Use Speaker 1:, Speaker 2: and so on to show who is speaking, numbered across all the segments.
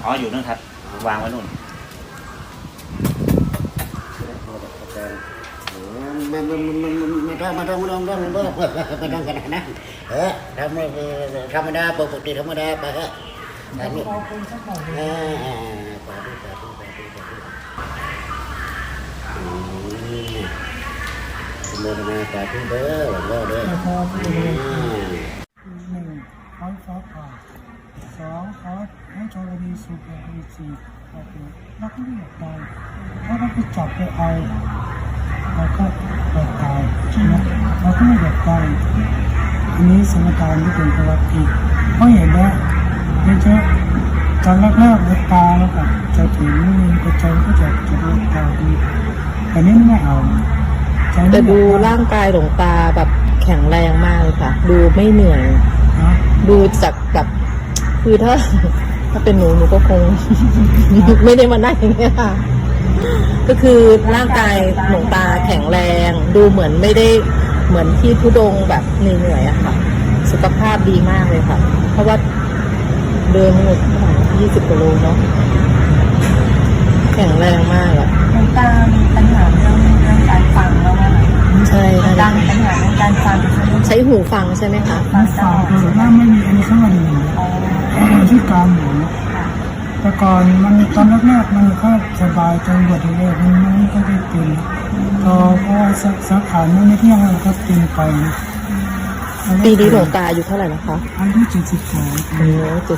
Speaker 1: อ๋ออยู่นู่นครับวางไว้นู่น
Speaker 2: ไม่ต้องขนาดนั้นธรรมดาปกติธรรมดาไปฮะอันนี้โมทนาสาธุเด้อหลวงพ่อเด้อ1ขอฟ้าผ่า2ขอให้ชาวมีสุขมีสีแล้วก็ไม่อยากตายถ้าเราไปจับไปเอาเราก็อยากตายใช่ไหมเราก็ไม่อยากตายอันนี้สมการที่เป็นประวัติเพราะเห็นว่าเยอะๆตอนแรกๆเลือดตาแล้วก็จะถึงกระจายก็จะเลือดตาดีแต่นี้ไม่เอา
Speaker 3: แต่ดูร่างกายหลวงตาแบบแข็งแรงมากเลยค่ะดูไม่เหนื่อยดูจากแบบคือถ้าเป็นหนูก็คง ไม่ได้มานั่งอย่างเงี้ยค่ะก็คือร่างกายหลวงตาแข็งแรงดูเหมือนไม่ได้เหมือนที่ทุดงแบบเหนื่อยอะค่ะสุขภาพดีมากเลยค่ะเพราะว่าเดินหมด20 กิโลเนาะแข็งแรงมากอะ
Speaker 4: หลวงตามีปัญหาเรื่องการฟังแล้วว่า
Speaker 3: ใช่
Speaker 4: ดังปัญหาเรื่องการฟัง
Speaker 3: ใช้หูฟังใช่ไหมคะ
Speaker 2: ฟังแต่ว่าไม่มีอันนี้ข้างในที่การหมูแต่ก่อนมันตอนแรกๆมันก็สบายจนบวชแรกมันไม่ก็ได้เป็นพอสาขาไม่เที่ยงมันก็เป็นไป
Speaker 3: ปีนี้หลวงตาอายุเท่าไหร่นะคะ
Speaker 2: อายุ72
Speaker 3: 72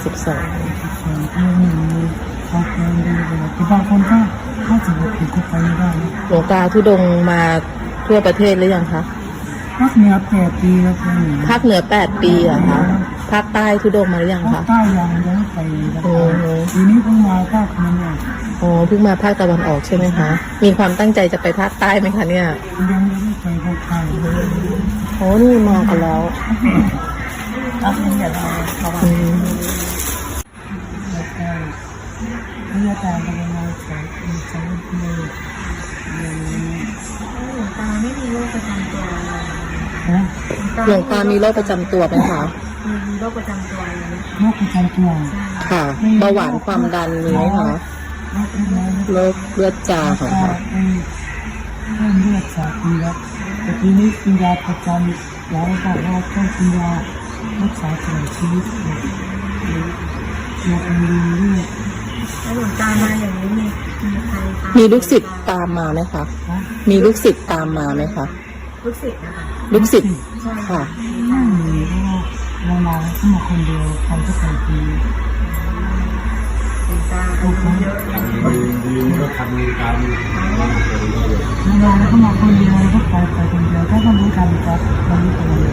Speaker 2: เขาเป็นดีเลยแต่บางคนก็50 ปีก็ไปไม่ได้
Speaker 3: หลวงตาทุดงมาทั่วประเทศหรือยังคะ
Speaker 2: ภาคเหนือ8 ปีแล้ว
Speaker 3: ภาคเหนือ8 ปีอะคะภาคใต้ทุดงมาหรือยังคะ
Speaker 2: ภาคใต้ยังไปทีนี้เพิ่งมาภาคนั้นเนี่ย
Speaker 3: เพิ่งมาภาคตะวันออกใช่ไหมคะมีความตั้งใจจะไปภาคใต้ไหมคะเนี่ย
Speaker 2: ยังไม่ได้ไปภาคใต้
Speaker 3: นี่มากันแล้ว
Speaker 4: ก็เป็นเดี๋ยวเรา
Speaker 2: นี่อาจารย์เป็นยังไงสอนเลย
Speaker 4: หลวงตาไม่มีโรคประจำตัว
Speaker 3: หลวงตามีโรคประจำตัวไหมคะ
Speaker 4: มีโรคประจำตัวอะไร
Speaker 2: โรคประจำตัว
Speaker 3: ค่ะเบาหวานความดันมีไหมคะโรคเลือดจางค่ะ
Speaker 2: เลือดจางมีแล้วแต่ทีนี้กินยาประจำแล้วบอกว่าต้องกินยารักษาตลอดชีวิตยาเป็นเลือด
Speaker 4: แล้วหลวงตามาอย่างนี้
Speaker 3: มีลูกศิษย์ตามมาไหมคะมีลูกศิษย์ตามมาไหมคะ
Speaker 4: ลูกศิษย์นะคะ
Speaker 3: ลูกศิษย์ค่ะ
Speaker 2: ไม่มีเพราะว่าเรามาแค่คนเดียวทำทุกคนดี
Speaker 4: หลวงตาอายุเยอะ
Speaker 2: ดีก็ทำตามเราก็มาคนเดียวก็ไปคนเดียวถ้าต้องรู้การจัดเราไม่เป็นไร